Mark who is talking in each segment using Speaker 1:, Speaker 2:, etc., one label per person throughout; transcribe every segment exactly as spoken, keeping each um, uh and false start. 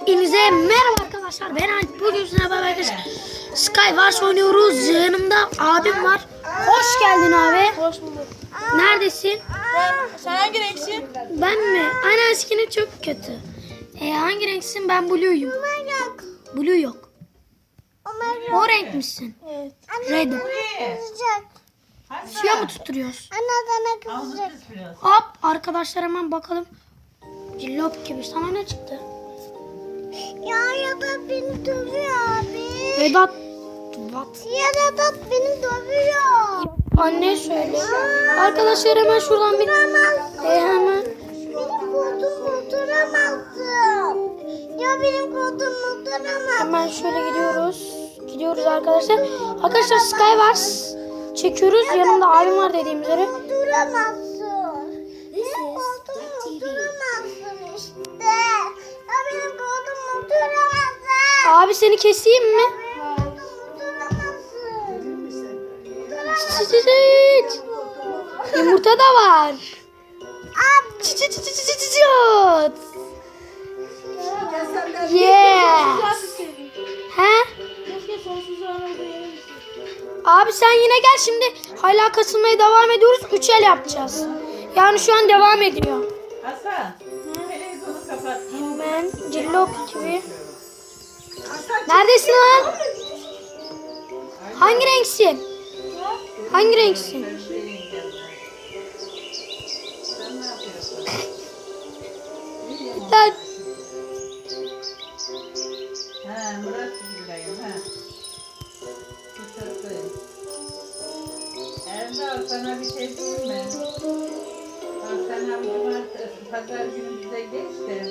Speaker 1: Hepinize merhaba arkadaşlar. Ben Alp. Bugün sizinle beraber arkadaşlar Skywars oynuyoruz. Yanımda abim var. Hoş geldin abi.
Speaker 2: Hoş bulduk.
Speaker 1: Neredesin?
Speaker 2: Ben, sen hangi renksin?
Speaker 1: Ben mi? Aynen eskinin çok kötü. E, hangi renksin? Ben Blue'yum. Blue yok. O renk misin?
Speaker 2: Evet.
Speaker 1: Red. Suya mı tutturuyoruz? Hop arkadaşlar hemen bakalım. Cillop gibi. Sana ne çıktı?
Speaker 3: Ya ya da beni dövüyor abi.
Speaker 1: Vedat. What?
Speaker 3: Ya da beni dövüyor.
Speaker 1: Anne söyle. Arkadaşlar hemen şuradan bir... E, hemen.
Speaker 3: Benim koltuğumu oturamazsın. Ya benim koltuğumu oturamazsın.
Speaker 1: Hemen şöyle gidiyoruz. Gidiyoruz arkadaşlar. Arkadaşlar Skywars çekiyoruz. Yanımda abim var dediğim üzere.
Speaker 3: Oturamazsın. Benim koltuğumu oturamazsın işte. Ya benim koltuğumu oturamazsın.
Speaker 1: Abi seni keseyim mi? Çıt çıt çıt. Yumurta da var. Çıt çıt çıt çıt çıt çıt. Yeah. He?
Speaker 2: Keşke sonsuz anında yerim.
Speaker 1: Abi sen yine gel şimdi. Hala kasılmaya devam ediyoruz. Üç el yapacağız. Yani şu an devam ediyor.
Speaker 4: Hasan, televizyonu kapat.
Speaker 1: Ben Cillop T V. Neredesin lan? Hangi renksin? Hangi renksin?
Speaker 4: Sen ne yapıyorsun?
Speaker 1: Lan
Speaker 4: Ha, Murat Gül'deyim ha. Kısaklıyım. Erdal sana bir şey diyeyim mi? Bak sen abi cumartesi, pazar günü bize geçti.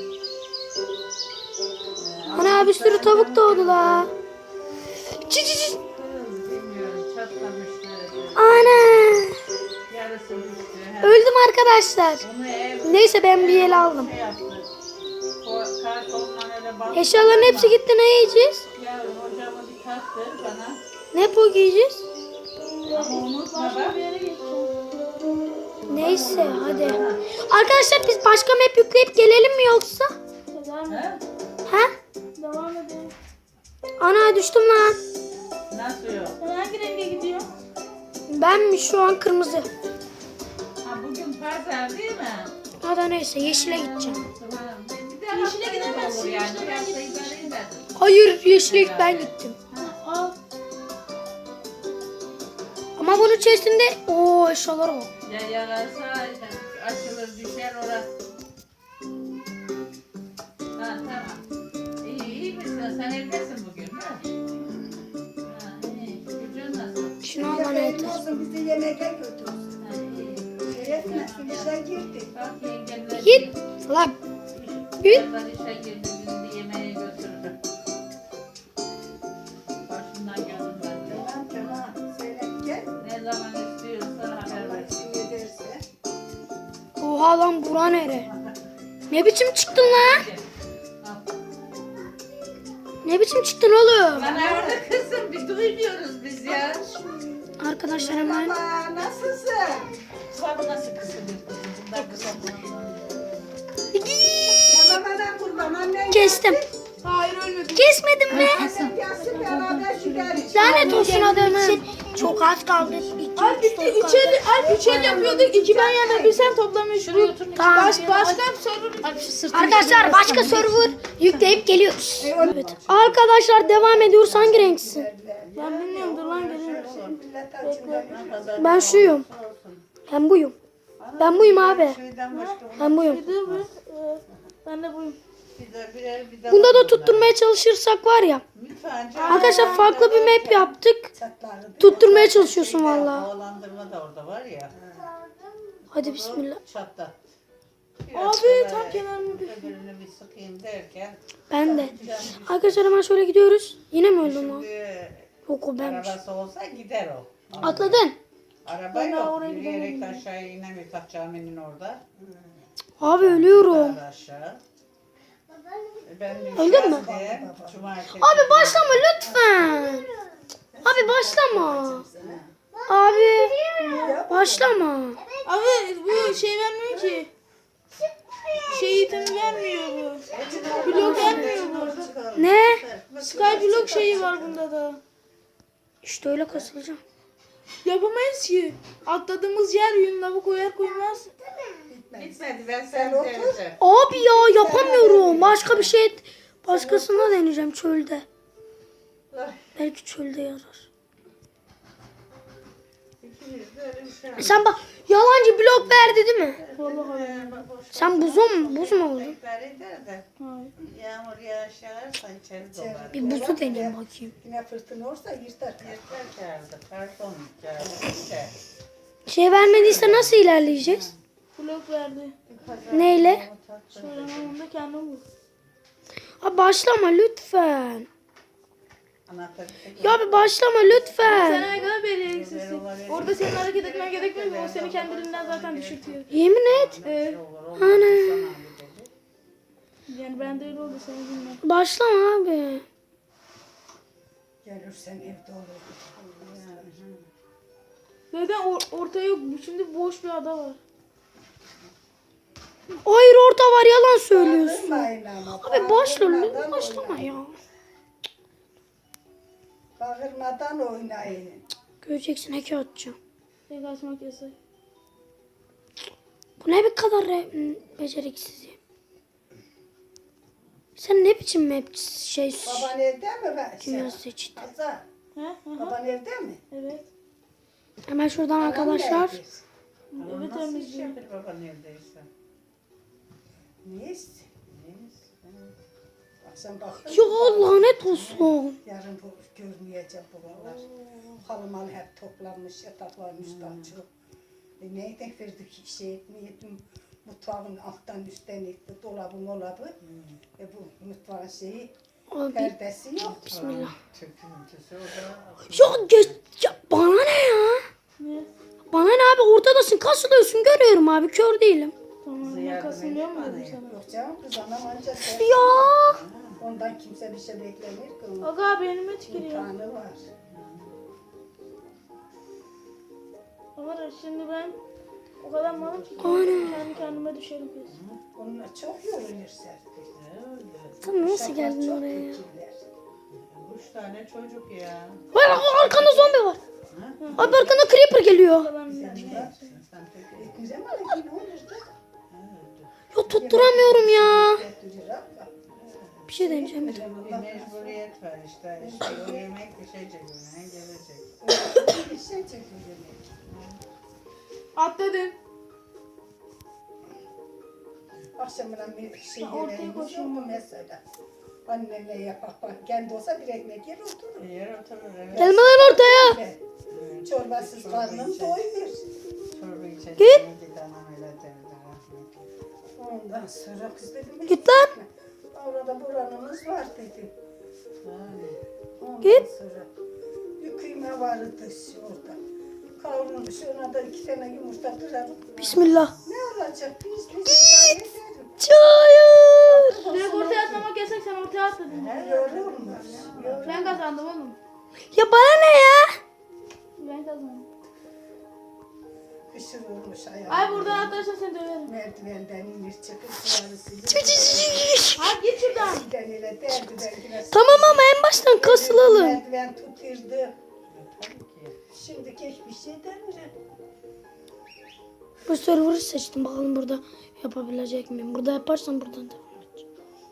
Speaker 1: ana bir sürü tavuk doğdu la. Çı çı çı.
Speaker 4: Bilmiyorum, çatlamıştı.
Speaker 1: Ana.
Speaker 4: Yarısı düştü. Ha.
Speaker 1: Öldüm arkadaşlar.
Speaker 4: Onu ev
Speaker 1: Neyse ben bir el aldım.
Speaker 4: şey yaptı. O kartonla öyle bak.
Speaker 1: Eşyaların hepsi gitti, ne yiyeceğiz?
Speaker 4: Yavrum hocamı bir taktır bana.
Speaker 1: Ne po giyeceğiz?
Speaker 4: Ama unutma bak.
Speaker 2: Bir yere geçeceğim.
Speaker 1: Neyse hadi. Arkadaşlar biz başka map yükleyip gelelim mi yoksa?
Speaker 2: Devam
Speaker 4: Ha?
Speaker 2: edelim.
Speaker 1: He?
Speaker 2: Devam edelim.
Speaker 1: Ana düştüm lan.
Speaker 4: Nasıl yok?
Speaker 2: Sen hangi renge gidiyorsun?
Speaker 1: Ben mi şu an kırmızı?
Speaker 4: Ha bugün pazar değil mi?
Speaker 1: Hadi neyse yeşile gideceğim.
Speaker 4: Tamam. Bir de
Speaker 2: Yeşile
Speaker 4: haftaya da
Speaker 2: gidemezsin,
Speaker 4: olur yani.
Speaker 2: yeşile
Speaker 4: Bir
Speaker 2: ben
Speaker 4: hafta
Speaker 2: gitmiştim.
Speaker 4: idare edersin.
Speaker 1: Hayır yeşile ilk ben gittim.
Speaker 2: Ha, al.
Speaker 1: Ama bunun içerisinde ooo eşyalar var.
Speaker 4: Ya yararsa açılır düşer orası. Ha tamam. İyi iyi misin? Sen evdesin bugün ha? Ha iyi. Gücün nasıl?
Speaker 1: Şunu al bana yeter.
Speaker 5: Bizi yemeğe götürsün.
Speaker 4: Ha iyi.
Speaker 5: Şerefine işe girdik.
Speaker 4: Bak yengemler.
Speaker 1: Git. Lan. Git.
Speaker 4: Birazdan işe girdi bizi de yemeğe götürdü. Başından geldim ben de.
Speaker 5: Tamam tamam. Seyret gel.
Speaker 4: Ne zaman istiyorsa haber versin.
Speaker 5: Kim ederse.
Speaker 1: Oha lan bura nere? Ne biçim çıktın lan?
Speaker 4: Al.
Speaker 1: Ne biçim çıktın oğlum?
Speaker 4: Lan orada kızım bir duymuyoruz biz ya.
Speaker 1: Arkadaşlar hemen.
Speaker 5: Baba nasılsın?
Speaker 4: Bak nasıl kısılıyor kızım. Bundan kısaltma.
Speaker 5: Babana kurban annen.
Speaker 1: Kestim.
Speaker 2: Hayır ölmedim.
Speaker 1: Kesmedim mi?
Speaker 5: Gelsin gelsin beraber şeker.
Speaker 1: Lanet olsun adamın. Çok az kaldı. İki,
Speaker 2: Alp
Speaker 1: üç,
Speaker 2: bitti.
Speaker 1: dört
Speaker 2: Üç
Speaker 1: kaldı.
Speaker 2: el, Alp üç el yapıyorduk. İki ben yana bir sen toplamış.
Speaker 4: Şuraya otur.
Speaker 1: Tamam.
Speaker 2: Baş, başka bir sorun.
Speaker 1: Arkadaşlar başka server yükleyip geliyoruz. Evet. Arkadaşlar devam ediyoruz. Hangi renksin?
Speaker 2: Ben bilmiyorum dur lan gelirim.
Speaker 1: Ben şuyum. Ben buyum. Ben buyum abi.
Speaker 4: Şeyden başka
Speaker 1: Ben buyum.
Speaker 2: Bir dur bir. Ee, Ben de buyum.
Speaker 4: bir de birer bir de.
Speaker 1: Bunda da tutturmaya çalışırsak var ya.
Speaker 4: Lütfen canım.
Speaker 1: Arkadaşlar farklı bir map yaptık. Tutturmaya çalışıyorsun valla.
Speaker 4: Havalandırma da orada var ya.
Speaker 1: Hadi bismillah.
Speaker 4: Çatta.
Speaker 2: Abi tam kenarına bir.
Speaker 4: Öbürünü bir sıkayım derken.
Speaker 1: Ben de. Arkadaşlar hemen şöyle gidiyoruz. Yine mi öldüm lan?
Speaker 4: Şimdi
Speaker 1: Yok o benmiş.
Speaker 4: arabası olsa gider o.
Speaker 1: Atladın.
Speaker 4: Araba
Speaker 2: Ben daha
Speaker 4: yok.
Speaker 2: oraya
Speaker 4: Yürüyerek
Speaker 2: gidemedim.
Speaker 4: aşağıya inemiyor. Tak caminin orada.
Speaker 1: Abi ölüyorum.
Speaker 4: Daha da aşağı. E Ben
Speaker 1: Öldün mü?
Speaker 4: düşerdim. Cumartesi.
Speaker 1: Abi başlama lütfen. Abi başlama. Abi başlama.
Speaker 2: Abi bu şey vermiyor ki. Şey itemi vermiyor bu. Blok vermiyor bu. Skyblock şeyi var bunda da.
Speaker 1: İşte öyle kasılacağım.
Speaker 2: Yapamayız ki. Atladığımız yer yün lavı koyar koymaz.
Speaker 4: Bitmedi ben sen deneyeceğim.
Speaker 1: Abi ya yapamıyorum. Başka bir şey başkasında deneyeceğim çölde. Belki çölde yarar.
Speaker 4: İkimiz de öyle bir şey yaptık.
Speaker 1: Sen bak yalancı blok verdi değil mi?
Speaker 2: Vallahi.
Speaker 4: Ee, bak, boş
Speaker 1: Sen buzum buz mu oldun?
Speaker 4: bekler eder de
Speaker 2: Hayır.
Speaker 4: yağmur yağış yağarsa içeri dolar.
Speaker 1: Bir buzu deneyeyim bakayım.
Speaker 5: Yine fırtına olursa yırtar.
Speaker 4: Yeter kağıdı, karton kağıdı, işte.
Speaker 1: Şey vermediyse nasıl ilerleyeceğiz?
Speaker 2: Blok verdi.
Speaker 1: Neyle?
Speaker 2: Söylemem onu da kendim vur.
Speaker 1: Abi başlama lütfen.
Speaker 4: Anahtarı tek
Speaker 1: Ya bir başlama
Speaker 2: Sen
Speaker 1: lütfen.
Speaker 2: ne kadar beceriksizsin. Orada senin hareket etmen gerekmiyor mu? O seni kendiliğinden zaten düşürtüyor.
Speaker 1: Yemin et.
Speaker 2: Ee,
Speaker 1: Ana.
Speaker 2: yani ben de öyle oldu seni bilmem.
Speaker 1: Başlama abi.
Speaker 5: Gelirsen evde olur.
Speaker 2: Zaten or- orta yok. Şimdi boş bir ada var.
Speaker 1: Hayır orta var yalan söylüyorsun.
Speaker 5: Bağırmayın ama.
Speaker 1: Abi başla
Speaker 5: Bağırmadan
Speaker 1: lütfen başlama
Speaker 5: oynayın.
Speaker 1: ya.
Speaker 5: Bağırmadan oynayın.
Speaker 1: Göreceksin heki atacağım.
Speaker 2: Tek açmak yasak.
Speaker 1: Bu ne bir kadar re- beceriksiz ya. Sen ne biçim map şey
Speaker 5: Baban evde mi? Ben,
Speaker 1: dünya seçtin?
Speaker 5: Hasan,
Speaker 2: He? Aha.
Speaker 5: baban evde mi?
Speaker 2: Evet.
Speaker 1: Hemen şuradan arkadaşlar.
Speaker 2: Evet
Speaker 4: Nasıl iş
Speaker 2: temizliyor.
Speaker 4: yapır baban evdeyse?
Speaker 5: Niyiz? Akşam bak.
Speaker 1: Ya lanet olsun.
Speaker 5: Yarın bu görmeyeceğim buralar. Halımalı hep toplanmış, yatakların üstten çok. E neyden verdik şey etmeyedim. Mutfağın alttan üstten etti, dolabı molabı. E bu mutfağın şeyi,
Speaker 1: Abi
Speaker 5: perdesi yok.
Speaker 1: bismillah.
Speaker 4: Tüküntüsü o da.
Speaker 1: Ya, geç, ya bana ne ya?
Speaker 2: Ne?
Speaker 1: Bana ne abi ortadasın kasılıyorsun görüyorum abi kör değilim.
Speaker 2: Tamam ben
Speaker 4: yardım
Speaker 2: kasılmıyor mu
Speaker 4: edeyim
Speaker 2: dedim
Speaker 4: bana
Speaker 2: sana.
Speaker 5: Yok canım kız anam ancak
Speaker 1: Ya.
Speaker 5: ondan kimse bir şey beklemir ki. Onun
Speaker 2: Aga beynime tükürüyor.
Speaker 5: imtihanı var.
Speaker 2: Ama şimdi ben o kadar malım ki
Speaker 1: Ana.
Speaker 2: kendi kendime düşerim kesin.
Speaker 5: Onunla çok yorulur Serpil.
Speaker 1: Sen nasıl
Speaker 5: Uşaklar
Speaker 1: geldin
Speaker 5: çok
Speaker 1: oraya ya?
Speaker 5: fikirler.
Speaker 4: Üç tane çocuk ya.
Speaker 1: Var arkanda zombi var. Abi arkanda creeper geliyor.
Speaker 2: Ben
Speaker 5: Sen bak,
Speaker 4: Sen peki.
Speaker 5: e, güzel mi alın ne olur da?
Speaker 1: Ya tutturamıyorum ya.
Speaker 5: Götürür abla.
Speaker 1: Bir şey deneyeceğim.
Speaker 5: Güzel
Speaker 4: Bir
Speaker 5: Allah
Speaker 4: mecburiyet var işte. İşte o yemek bir şey çekiyor. Gelecek.
Speaker 5: razı- bir şey çekiyor demek.
Speaker 2: Atladım.
Speaker 5: Akşamına bir şey
Speaker 2: Ha, ortaya
Speaker 5: yemeğimiz yok
Speaker 2: koşuyorum.
Speaker 5: mu mesela? Annemle yapak bak. Kendi olsa bir ekmek yer oturur.
Speaker 4: Bir yer oturur evet.
Speaker 1: Gelme lan ortaya.
Speaker 5: Ve çorbasız karnım doymuyor.
Speaker 4: Çorba içecek.
Speaker 1: Git.
Speaker 4: Git anam öyle derdi rahmetli.
Speaker 5: Ondan sonra kız dedim.
Speaker 1: Git lan.
Speaker 5: Orada buranımız var dedim.
Speaker 4: Yani.
Speaker 5: Ondan
Speaker 1: Git.
Speaker 5: sonra bir kıyma vardı orada. Kavrulmuş ona da iki tane yumurta kırarım.
Speaker 1: Bismillah.
Speaker 5: Ne olacak? Biz biz idare ederim.
Speaker 1: Hayır.
Speaker 2: Direkt ortaya atlamak yasak sen ortaya atladın.
Speaker 5: Yorulmaz.
Speaker 2: Ben kazandım oğlum.
Speaker 1: Ya bana ne ya?
Speaker 2: Ben kazandım.
Speaker 5: Kışır olmuş ayağım.
Speaker 2: Ay buradan atlarsan seni döverim.
Speaker 5: Merdivenden inir çıkıp suları
Speaker 2: Hadi git şuradan.
Speaker 5: silden ile derdi ben
Speaker 1: Tamam ama en baştan kasılalım.
Speaker 5: Merdiven tuturdu.
Speaker 4: Tabii ki.
Speaker 5: Şimdi hiçbir şey demiyorum.
Speaker 1: Bu server'ı seçtim bakalım burada yapabilecek miyim? Burada yaparsam buradan devam edeceğim.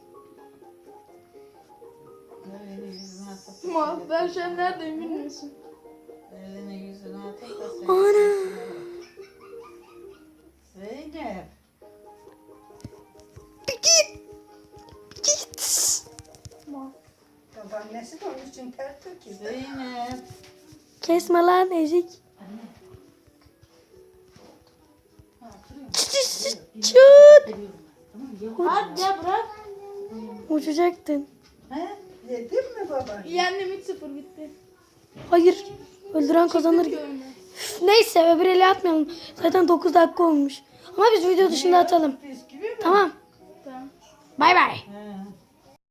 Speaker 4: Elini yüzüne atıp.
Speaker 2: Ma ben şu an neredeyim bilmiyorsun.
Speaker 4: Elini yüzüne atıp da sen.
Speaker 1: Ana.
Speaker 4: Zeynep.
Speaker 1: Git. Git.
Speaker 2: Ma.
Speaker 5: Babaannesi de onun için ter töküldü.
Speaker 4: Zeynep.
Speaker 1: Kesme lan ezik. Çıt.
Speaker 2: Hadi ya bırak.
Speaker 1: Uçacaktın.
Speaker 4: He?
Speaker 5: Yedin mi baba?
Speaker 2: Yendim üç sıfır bitti.
Speaker 1: Hayır. Öldüren kazanır.
Speaker 2: Bitti oyunu.
Speaker 1: Üf, neyse öbür ele atmayalım. Zaten dokuz dakika olmuş. Ama biz video dışında atalım.
Speaker 4: Bisküvi mi?
Speaker 1: Tamam.
Speaker 2: Tamam.
Speaker 1: Bay bay.
Speaker 4: He.